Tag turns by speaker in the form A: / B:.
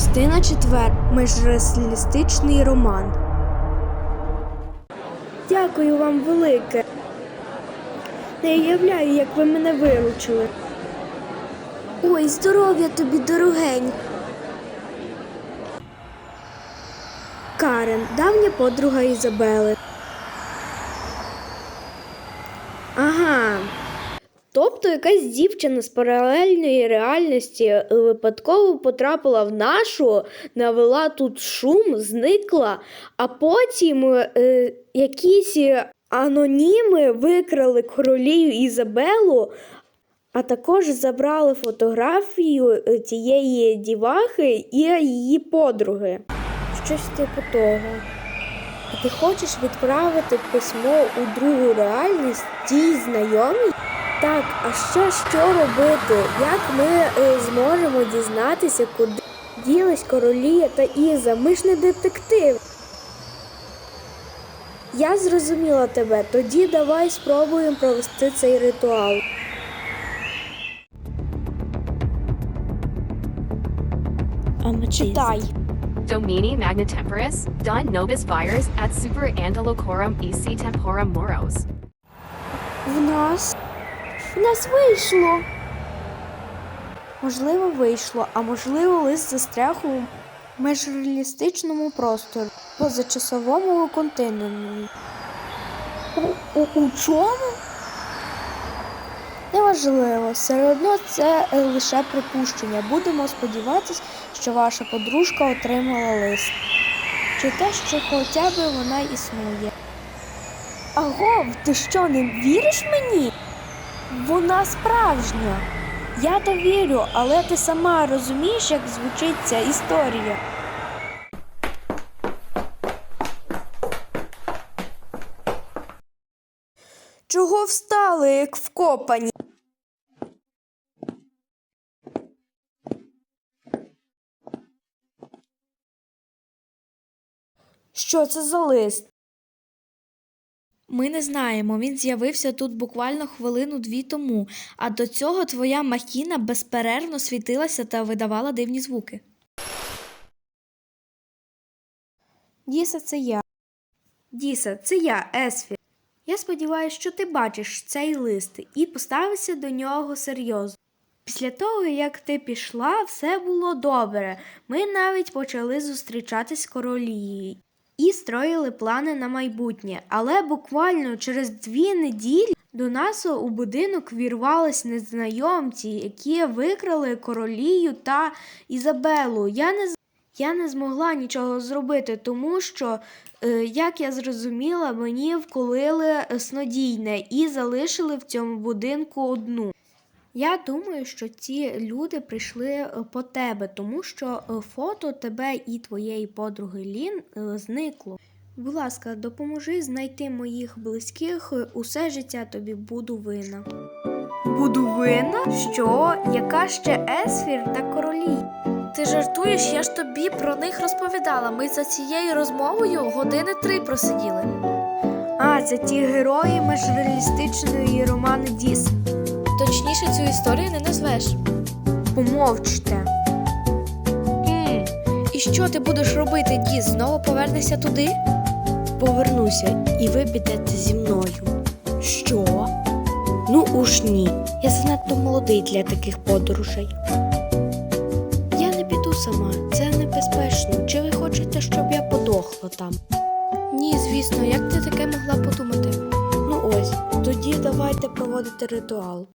A: Частина 4. Межреалістичний роман. Дякую вам велике. Не уявляю, як ви мене виручили. Ой, здоров'я тобі, дорогенька. Карен, давня подруга Ізабели. Ага. Тобто якась дівчина з паралельної реальності випадково потрапила в нашу, навела тут шум, зникла, а потім якісь аноніми викрали королію Ізабелу, а також забрали фотографію тієї дівахи і її подруги. Щось типу того. І ти хочеш відправити письмо у другу реальність тій знайомій? Так, а що робити? Як ми зможемо дізнатися, куди ділись Королія та Іза? Ми ж не детектив. Я зрозуміла тебе. Тоді давай спробуємо провести цей ритуал. Читай.
B: Domini magna temporis, dun nobis vires et super antilocorum ec temporum moros.
A: В нас вийшло. Можливо, вийшло, а можливо, лист застряг у межреалістичному просторі, позачасовому континуумі. У чому? Неважливо, все одно це лише припущення. Будемо сподіватися, що ваша подружка отримала лист. Чи те, що хоча б вона існує. Агов, ти що, не віриш мені? Вона справжня. Я то вірю, але ти сама розумієш, як звучить ця історія. Чого встали, як вкопані? Що це за лист? Ми не знаємо, він з'явився тут буквально хвилину-дві тому, а до цього твоя махіна безперервно світилася та видавала дивні звуки. Діса, це я, Есфір. Я сподіваюся, що ти бачиш цей лист і поставишся до нього серйозно. Після того, як ти пішла, все було добре. Ми навіть почали зустрічатись з Королією і строїли плани на майбутнє. Але буквально через 2 неділі до нас у будинок вірвались незнайомці, які викрали Королію та Ізабелу. Я не змогла нічого зробити, тому що, як я зрозуміла, мені вколили снодійне і залишили в цьому будинку одну. Я думаю, що ці люди прийшли по тебе, тому що фото тебе і твоєї подруги Лін зникло. Будь ласка, допоможи знайти моїх близьких, усе життя тобі буду винна. Буду винна? Що? Яка ще Есфір та Королі?
C: Ти жартуєш? Я ж тобі про них розповідала. Ми за цією розмовою 3 години просиділи.
A: А, це ті герої межреалістичної роману Діс.
C: Точніше, цю історію не назвеш.
A: Помовчте.
C: І що ти будеш робити, Діс? Знову повернешся туди?
A: Повернуся, і ви підете зі мною. Що? Ну уж ні. Я занадто молодий для таких подорожей. Я не піду сама, це небезпечно. Чи ви хочете, щоб я подохла там?
C: Ні, звісно, як ти таке могла подумати?
A: Ну ось, тоді давайте проводити ритуал.